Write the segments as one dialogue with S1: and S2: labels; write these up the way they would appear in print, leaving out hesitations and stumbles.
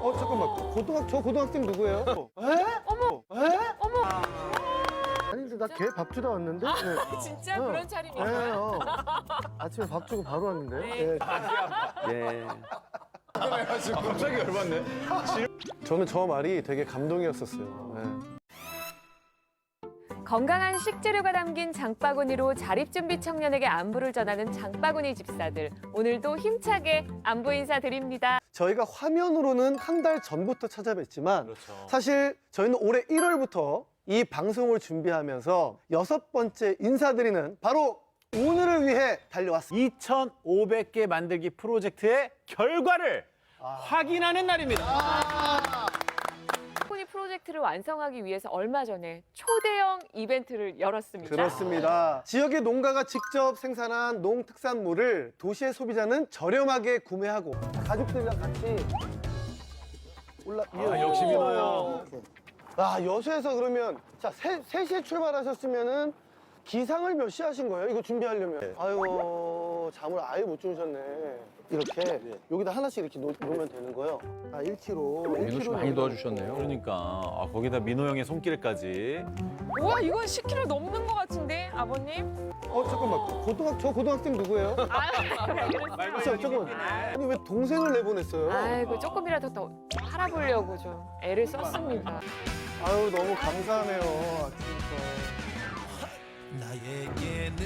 S1: 잠깐만. 저 고등학생 누구예요? 에?
S2: 어머.
S1: 에?
S2: 어머.
S1: 아니 근데 나 걔 밥 주다 왔는데. 네.
S2: 진짜
S1: 어.
S2: 그런 차림이야.
S1: 네, 아침에 밥 주고 바로 왔는데.
S2: 네.
S1: 예.
S3: 갑자기 열받네.
S1: 저는 저 말이 되게 감동이었었어요. 네.
S2: 건강한 식재료가 담긴 장바구니로 자립준비 청년에게 안부를 전하는 장바구니 집사들. 오늘도 힘차게 안부 인사 드립니다.
S1: 저희가 화면으로는 한 달 전부터 찾아뵀지만
S3: 그렇죠.
S1: 사실 저희는 올해 1월부터 이 방송을 준비하면서 6번째 인사드리는 바로 오늘을 위해 달려왔습니다.
S3: 2,500개 만들기 프로젝트의 결과를 확인하는 날입니다.
S2: 바구니 프로젝트를 완성하기 위해서 얼마 전에 초대형 이벤트를 열었습니다.
S1: 그렇습니다. 지역의 농가가 직접 생산한 농특산물을 도시의 소비자는 저렴하게 구매하고 가족들이랑 같이
S3: 역시 민호 형.
S1: 여수에서 그러면 자 3시에 출발하셨으면은 기상을 몇 시 하신 거예요? 이거 준비하려면. 아이고 잠을 아예 못 주무셨네. 이렇게 여기다 하나씩 이렇게 놓으면 되는 거예요. 1kg.
S4: 민호 씨 많이 도와주셨네요.
S3: 그러니까 거기다 민호 형의 손길까지.
S2: 우와, 이건 10kg 넘는 것 같은데, 아버님?
S1: 잠깐만. 저 고등학생 누구예요? 잠깐만. 아니 왜 동생을 내보냈어요?
S2: 아이고, 조금이라도 더 팔아보려고 좀 애를 썼습니다.
S1: 아유 너무 감사하네요. 아침부터.
S5: 나에게는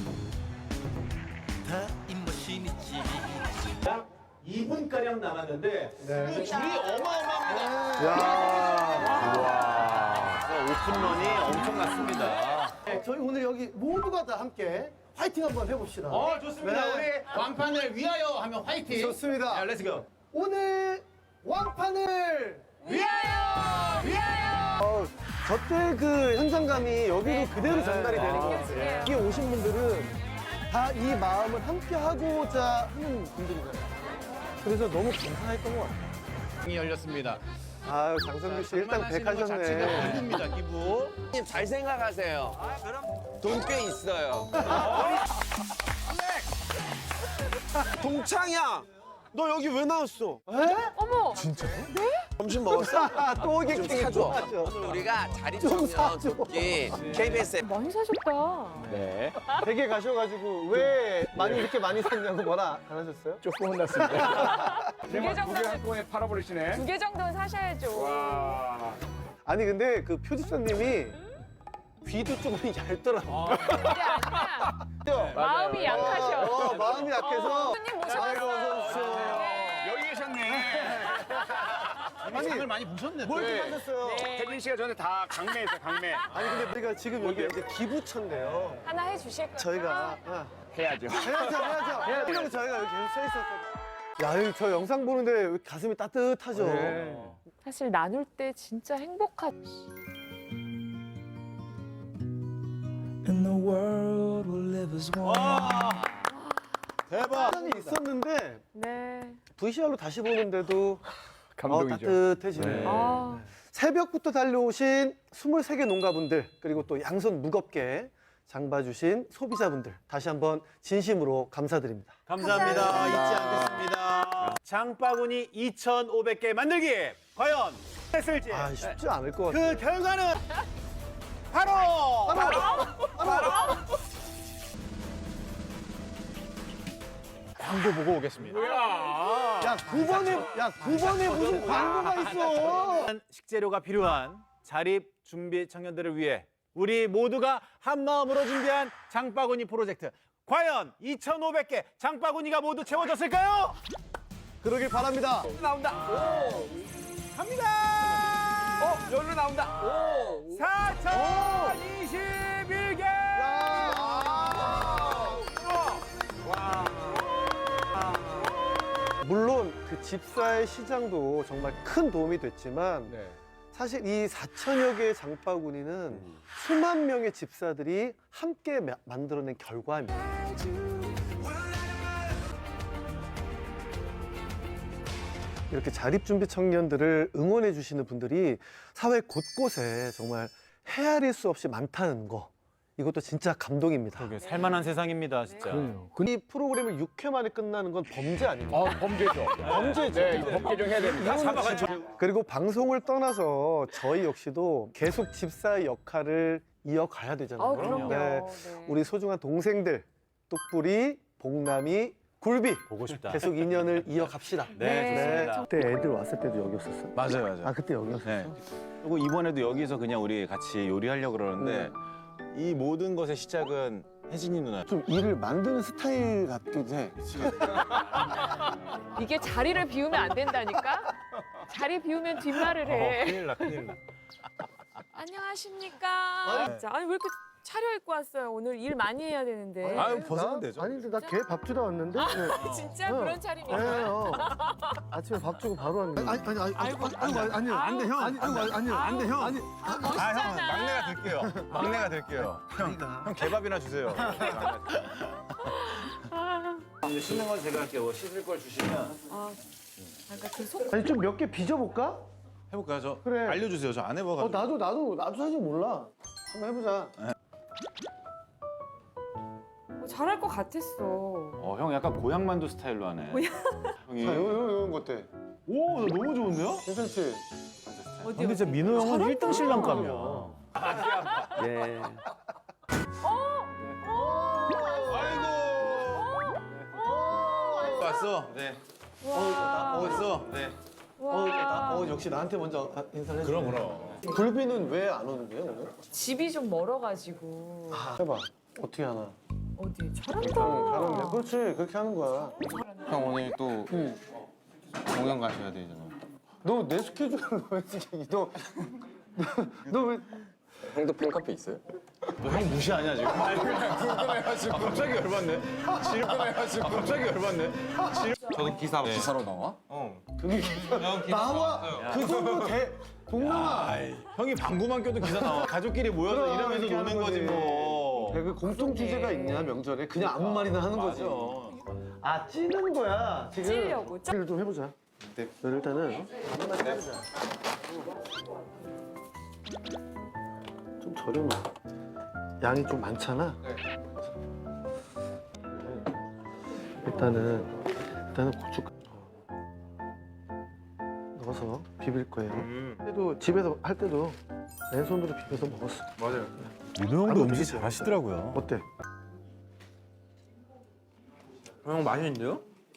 S5: 타임머신이지.
S3: 2분가량 남았는데
S1: 네.
S3: 줄이 어마어마합니다.
S1: 야.
S3: 오픈런이 엄청났습니다.
S1: 네, 저희 오늘 여기 모두가 다 함께 화이팅 한번 해봅시다.
S3: 좋습니다.
S1: 네.
S3: 우리 완판을 위하여 하면 화이팅.
S1: 좋습니다.
S3: 렛츠고.
S1: 오늘 왕판을
S3: 위하여! 위하여!
S1: 저때 그 현장감이 여기로 그대로 전달이 되는 것 같아요. 여기 오신 분들은 다 이 마음을 함께 하고자 하는 분들이잖아요. 그래서 너무 감사했던 것 같아요.
S3: 이 열렸습니다.
S1: 아유, 장성규 씨 일단 백하셨네.
S3: 기부입니다, 기부.
S6: 잘 생각하세요. 돈 꽤 있어요. 동창이야, 너 여기 왜 나왔어?
S2: 어머!
S6: 점심 먹었어?
S1: 또 오게
S6: 좀 사줘. 오늘 우리가
S1: 좀
S6: 자립청년
S1: 사줘.
S6: 돕기 KBS에
S2: 많이 사셨다.
S3: 네.
S1: 댁에 가셔가지고 왜 많이 이렇게 많이 샀냐고 뭐라 안 하셨어요?
S4: 조금 혼났습니다.
S2: 두 개 정도는,
S4: 한꺼번에 팔아버리시네.
S2: 2개 정도는 사셔야죠.
S1: 아니 근데 그 표집사님이 귀도 조금 얇더라고.
S2: 그게 아니라 마음이 약하셔.
S1: 마음이 약해서.
S2: 손님
S1: 아이고,
S2: 모셔봤어요.
S1: 어서 오십시오.
S4: 여기 계셨네.
S3: 아니, 장을 많이 보셨네.
S1: 뭘 좀 하셨어요?
S2: 네.
S4: 태진 씨가 전에 다 강매했어요, 강매.
S1: 아니 근데 우리가 지금 여기 이제 기부처인데요.
S2: 하나 해주실 거예요?
S1: 저희가
S4: 해야죠.
S1: 해야죠. 그리고 저희가 여기 계속 서 있었거든요. 야, 저 영상 보는데 왜 가슴이 따뜻하죠.
S2: 사실 나눌 때 진짜 행복하지.
S5: In the world we'll live as one.
S3: 대박.
S1: 시간이 있었는데
S2: 네.
S1: VCR로 다시 보는데도
S4: 감동이죠.
S1: 따뜻해지네요.
S2: 아,
S1: 새벽부터 달려오신 23개 농가분들 그리고 또 양손 무겁게 장봐주신 소비자분들 다시 한번 진심으로 감사드립니다.
S3: 감사합니다.
S2: 감사합니다.
S3: 잊지 않겠습니다. 장바구니 2,500개 만들기. 과연 했을지.
S1: 쉽지 않을 것 같아요.
S3: 그 결과는 바로 광고 보고 오겠습니다.
S1: 야, 9번에 무슨 광고가 있어.
S3: 식재료가 필요한 자립 준비 청년들을 위해 우리 모두가 한 마음으로 준비한 장바구니 프로젝트. 과연 2,500개 장바구니가 모두 채워졌을까요?
S1: 그러길 바랍니다.
S6: 나온다.
S3: 갑니다.
S6: 여기로 나온다.
S3: 4,021개.
S1: 물론 그 집사의 시장도 정말 큰 도움이 됐지만
S4: 네.
S1: 사실 이 4천여 개의 장바구니는 수만 명의 집사들이 함께 만들어낸 결과입니다. 이렇게 자립준비 청년들을 응원해 주시는 분들이 사회 곳곳에 정말 헤아릴 수 없이 많다는 거. 이것도 진짜 감동입니다.
S3: 그러게 살만한 세상입니다, 진짜.
S1: 이 프로그램을 6회 만에 끝나는 건 범죄 아닙니까?
S4: 범죄죠.
S1: 범죄죠.
S4: 네, 이거 법 개정해야 됩니다.
S1: 그리고 방송을 떠나서 저희 역시도 계속 집사의 역할을 이어가야 되잖아요.
S2: 그럼요.
S1: 네. 우리 소중한 동생들, 뚝불이, 복남이, 굴비
S3: 보고 싶다.
S1: 계속 인연을 이어갑시다.
S3: 네, 좋습니다.
S1: 그때 애들 왔을 때도 여기였었어요.
S7: 맞아요, 맞아요.
S1: 아 그때 여기였어요.
S7: 네. 그리고 이번에도 여기서 그냥 우리 같이 요리하려고 그러는데 이 모든 것의 시작은 혜진이 누나.
S1: 좀 일을 만드는 스타일 같기도 해.
S2: 이게 자리를 비우면 안 된다니까? 자리 비우면 뒷말을 해.
S3: 큰일 나, 큰일 나.
S2: 안녕하십니까? 진짜. 아니 왜 이렇게 차려입고 왔어요? 오늘 일 많이 해야 되는데.
S7: 아유, 벗으면 되죠.
S1: 아니 근데 나 걔 밥 주러 왔는데. 네.
S2: 진짜
S1: 어.
S2: 그런
S1: 네,
S2: 차림이야.
S1: 아침에 밥 주고 바로 왔는데. 아니요. 아니요. 안 돼, 형. 아니요. 안 돼, 형. 아니.
S7: 아, 형,
S2: 멋있잖아.
S7: 막내가 될게요. 막내가 될게요. 형 개밥이나 주세요.
S3: 이제 씻는 건 제가 할게요. 뭐 씻을 걸 주시면.
S2: 그러니까 그 속.
S1: 아니 좀 몇 개 빚어볼까?
S7: 해볼까요? 저
S1: 그래.
S7: 알려주세요. 저 안 해봐가지고.
S1: 나도 사실 몰라. 한번 해보자.
S2: 잘할 것 같았어.
S7: 형 약간 고향만두 스타일로 하네. 형이.
S1: 자, 요런 것 어때?
S3: 오, 나 너무 좋은데요?
S1: 괜찮지?
S2: 어디
S3: 근데 진짜 민호 형은 1등 신랑감이야.
S1: 예.
S7: 왔어. 네. 왔어. 네.
S1: 역시 나한테 먼저 인사를 해.
S7: 그럼.
S1: 굴비는 왜 안 오는 거예요, 오늘?
S2: 집이 좀 멀어가지고.
S1: 해봐. 어떻게 하나?
S2: 어디? 잘한다.
S1: 잘하네. 그렇지. 그렇게 하는 거야.
S8: 형 오늘 또 공연 가셔야 되잖아.
S1: 너 내 스케줄을 왜 지금 너 왜?
S8: 형도 팬카페 있어요?
S7: 형 무시하냐 지금? 불편해가지고. 갑자기 열받네. 질끈해가지고. 갑자기 열받네.
S8: 저도 기사로 나와?
S1: 나와. 그 정도 동남아.
S7: 형이 방구만 껴도 기사 나와. 가족끼리 모여서
S1: 그럼,
S7: 이러면서
S1: 이렇게
S7: 노는
S1: 하는
S7: 거지
S1: 거지.
S7: 뭐.
S1: 그 공통 주제가 있냐 명절에 그냥 아무 말이나 하는 거지. 아 찌는 거야 지금.
S2: 찌려고.
S1: 일좀 해보자. 네. 일단은 해보자. 좀 저렴해. 양이 좀 많잖아. 일단은 고춧가루 넣어서 비빌 거예요. 그래도 집에서 할 때도 맨손으로 비벼서 먹었어.
S3: 민호 형도 음식
S1: 되겠지.
S3: 잘하시더라고요.
S1: 어때?
S8: 형 맛있는데요?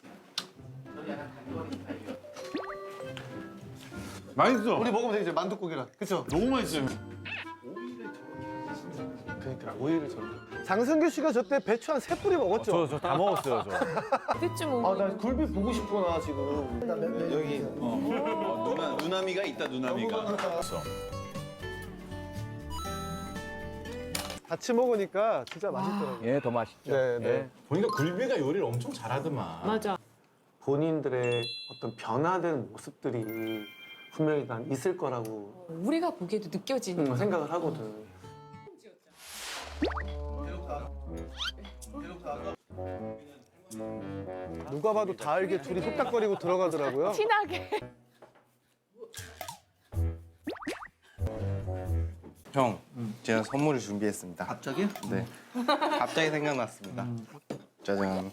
S7: 맛있어.
S1: 우리 먹으면 되지 만둣국이랑. 그쵸?
S7: 너무 맛있어요.
S1: 그러니까 오이를 저. 장성규 씨가 저 때 배추 한 3뿌리 먹었죠?
S3: 저 다 먹었어요, 저.
S2: 그때쯤
S1: 아,
S2: 오면.
S1: 나 굴비 보고 싶어, 나 지금.
S7: 여기 누나미가 있다 누나미가.
S1: 같이 먹으니까 진짜 맛있더라고요.
S4: 예, 더 맛있죠.
S1: 네, 네.
S7: 보니까 굴비가 요리를 엄청 잘하더만.
S2: 맞아.
S1: 본인들의 어떤 변화된 모습들이 분명히 난 있을 거라고
S2: 우리가 보기에도 느껴지는.
S1: 생각을 하거든. 누가 봐도 다 알게 둘이 뚝딱거리고 들어가더라고요.
S2: 티나게.
S8: 형, 제가 선물을 준비했습니다.
S1: 갑자기?
S8: 네. 갑자기 생각났습니다. 짜잔.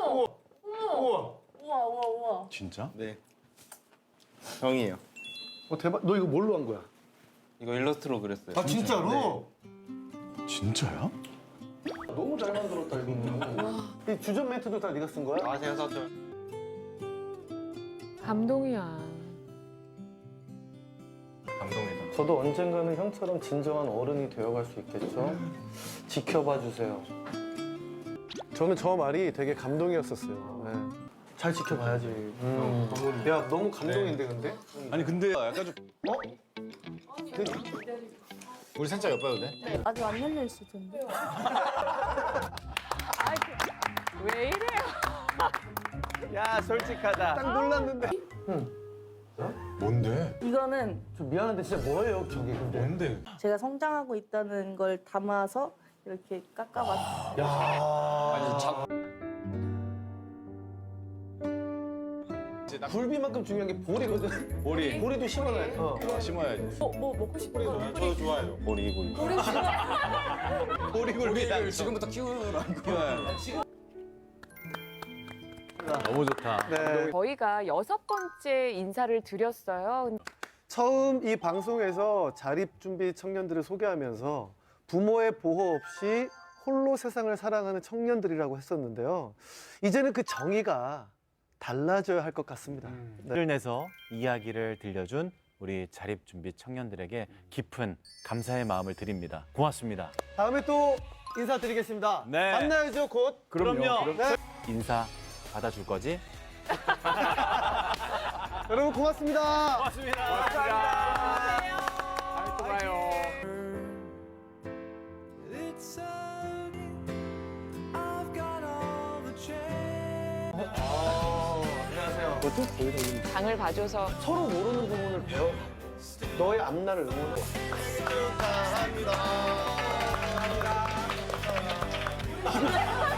S7: 진짜?
S8: 네. 형이에요.
S1: 대박. 너 이거 뭘로 한 거야?
S8: 이거 일러스트로 그렸어요.
S1: 아, 진짜로?
S7: 진짜야?
S1: 너무 잘 만들었다, 이거. 이 주전 멘트도 다 네가 쓴 거야?
S8: 아, 제가 썼죠.
S2: 감동이야.
S8: 감동이다.
S1: 저도 언젠가는 형처럼 진정한 어른이 되어갈 수 있겠죠? 지켜봐 주세요. 저는 저 말이 되게 감동이었었어요. 네. 잘 지켜봐야지. 야, 너무 감동인데, 근데?
S7: 아니 근데 약간 좀 우리 살짝 엿봐도 돼?
S9: 아직 안 열려 있을 텐데.
S2: 왜 이래요?
S6: 야, 솔직하다.
S1: 딱 놀랐는데.
S7: 뭔데?
S9: 이거는
S1: 좀 미안한데 진짜 뭐예요, 저게 근데?
S7: 뭔데?
S9: 제가 성장하고 있다는 걸 담아서 이렇게 깎아봤어요.
S1: 야.
S7: 이제
S1: 굴비만큼 중요한 게 보리거든.
S7: 보리.
S1: 보리도 심어놔야 돼.
S7: 심어야지.
S2: 뭐 먹고 싶은 거?
S7: 저도 좋아해요. 보리. 보리굴비.
S8: 지금부터 키우라고.
S3: 너무 좋다.
S1: 네.
S2: 저희가 6번째 인사를 드렸어요.
S1: 처음 이 방송에서 자립준비 청년들을 소개하면서 부모의 보호 없이 홀로 세상을 살아가는 청년들이라고 했었는데요. 이제는 그 정의가 달라져야 할 것 같습니다. 네.
S3: 를 내서 이야기를 들려준 우리 자립준비 청년들에게 깊은 감사의 마음을 드립니다. 고맙습니다.
S1: 다음에 또 인사드리겠습니다.
S3: 네.
S1: 만나야죠, 곧.
S3: 그럼요.
S1: 네.
S3: 인사 받아줄 거지?
S1: 여러분 고맙습니다.
S3: 고맙습니다.
S4: 다음에 또 봐요.
S5: It's sunny. I've got all the chance.
S1: 안녕하세요. 뭐죠? 거기서
S2: 장을 봐줘서
S1: 서로 모르는 부분을 배워. 너의 앞날을 응원해. 축하합니다.